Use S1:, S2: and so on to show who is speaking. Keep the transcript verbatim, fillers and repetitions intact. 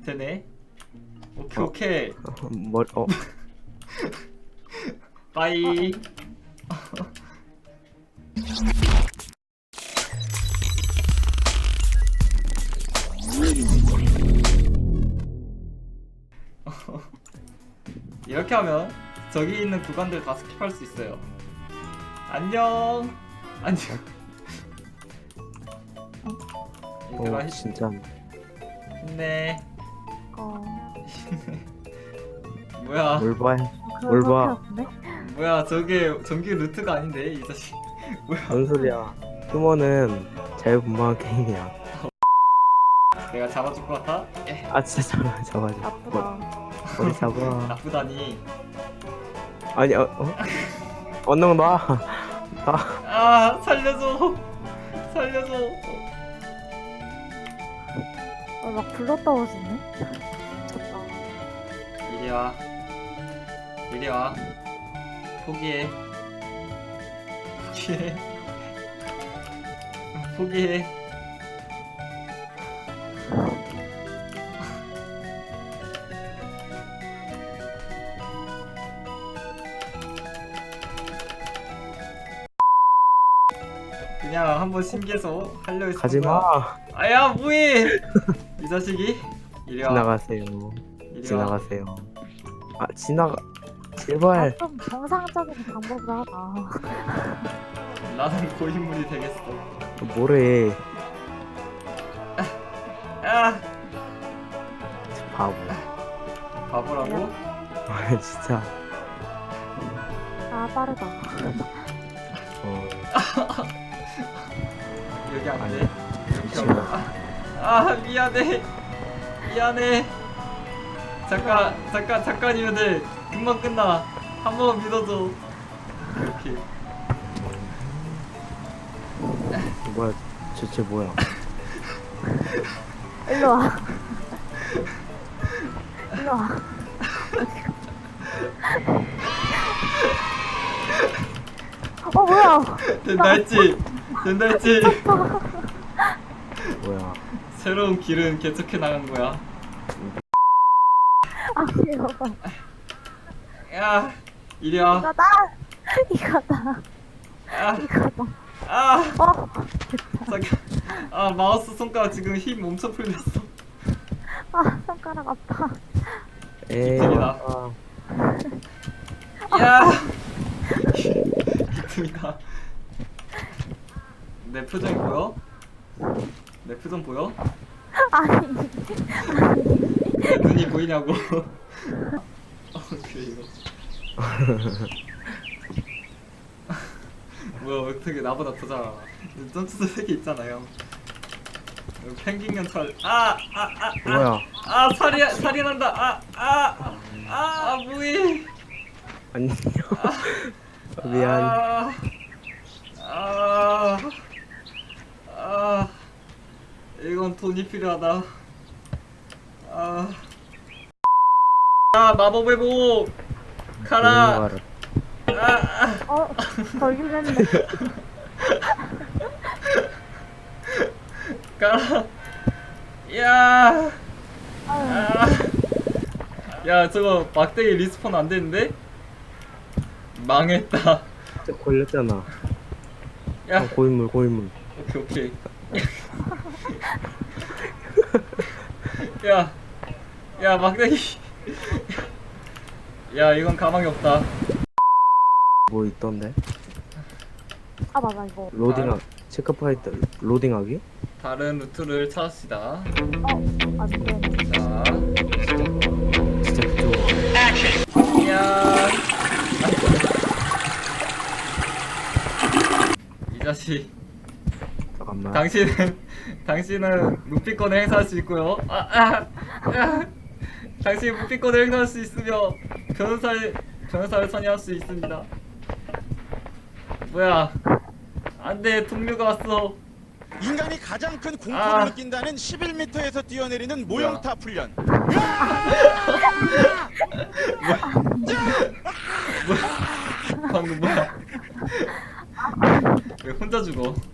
S1: 되네. 오케이
S2: 어.
S1: 오케이.
S2: 어, 머리 어
S1: 빠이. 이렇게 하면 저기 있는 구간들 다 스킵할 수 있어요. 안녕. 안녕. 얘들아
S2: 어,
S1: 힘-
S2: 진짜
S1: 힘내.
S3: 어.
S1: 뭐야?
S2: 뭘 봐?
S3: 그럴
S2: 뭘 봐?
S3: 수밖에 없네.
S1: 뭐야? 저게 정규 루트가 아닌데 이 자식. 뭐야?
S2: 뭔 소리야? 휴머는 자유분방한 게임이야.
S1: 내가 잡아줄 것 같아? 예.
S2: 아 진짜 잡아 잡아줘.
S3: 나쁘다.
S2: 머리 잡아.
S1: 나쁘다니.
S2: 아니 어 어? 언능 놔. 나
S1: 아 살려줘. 살려줘.
S3: 어, 막 불러 떨어지네. 미쳤다.
S1: 이리 와. 이리 와. 포기해. 포기해. 포기해. 그냥 한번 신기해서 하려 했어.
S2: 가지 마.
S1: 아야 뭐해? 이 자식이. 이리 와.
S2: 지나가세요.
S1: 이리 와.
S2: 지나가세요. 아 지나가. 제발.
S3: 아, 좀 정상적인 방법으로 하자.
S1: 나는 고인물이 되겠어.
S2: 뭐래?
S1: 아
S2: 바보.
S1: 바보라고?
S2: 아 진짜.
S3: 아, 빠르다.
S2: 어.
S1: 여기 안
S2: 아니,
S1: 돼. 이렇게
S2: 지금.
S1: 하고. 아, 아 미안해. 미안해. 잠깐 잠깐 잠깐이면 돼. 금방 끝나. 한 번만 믿어줘. 이렇게.
S2: 뭐야? 대체 뭐야?
S3: 일로 와. 일로 와. 어, 뭐야?
S1: 된다 했지. 된다 했지.
S2: 뭐야?
S1: 새로운 길은 개척해 나간 거야.
S3: 아, 이거 봐.
S1: 야, 이리 와.
S3: 이거다. 이거다.
S1: 아,
S3: 이거다.
S1: 아,
S3: 어,
S1: 잠깐. 아, 마우스 손가락 지금 힘 엄청 풀렸어.
S3: 아, 손가락 아파.
S2: 에이.
S1: 기특이다.
S2: 아,
S1: 야, 기특이다. 내 표정이 보여? 내 표정 보여?
S3: 아니,
S1: 내 눈이 보이냐고. 어, 그래 이거. 뭐야 왜 어떻게 나보다 더 잘 알아? 점프도 세개 있잖아요. 여기 펭귄년 털. 아, 아, 아, 아,
S2: 뭐야?
S1: 아, 살이 살이 난다. 아, 아, 아, 아, 뭐해?
S2: 안녕. 미안.
S1: 아, 아, 아, 이건 돈이 필요하다. 아, 아 마법의 보 가라. 아, 아.
S3: 어, 걸리겠네.
S1: 가라. 야,
S3: 아유,
S1: 아, 야 저거 막대기 리스폰 안 되는데? 망했다.
S2: 진짜 걸렸잖아.
S1: 야,
S2: 어, 고인물 고인물.
S1: 오케이 오케이. 야, 야 막대기. 야 이건 가망이 없다.
S2: 뭐 있던데?
S3: 아, 맞아, 이거.
S2: 로딩하 체크파이트 로딩하기?
S1: 다른 루트를 찾읍시다.
S3: 어, 아직 돼.
S1: 자,
S2: 진짜 그쪽.
S1: 야, 이 자식.
S2: 잠깐만.
S1: 당신은 당신은 루피권을 행사할 수 있고요. 아, 아, 아. 당신이 루피권을 행사할 수 있으며 변호사를 변호사를 선임할 수 있습니다. 뭐야? 안돼, 동료가 왔어.
S4: 인간이 가장 큰 공포를
S1: 아.
S4: 느낀다는 십일 미터에서 뛰어내리는 모형탑 훈련.
S1: 방금 뭐야? 왜 혼자 죽어?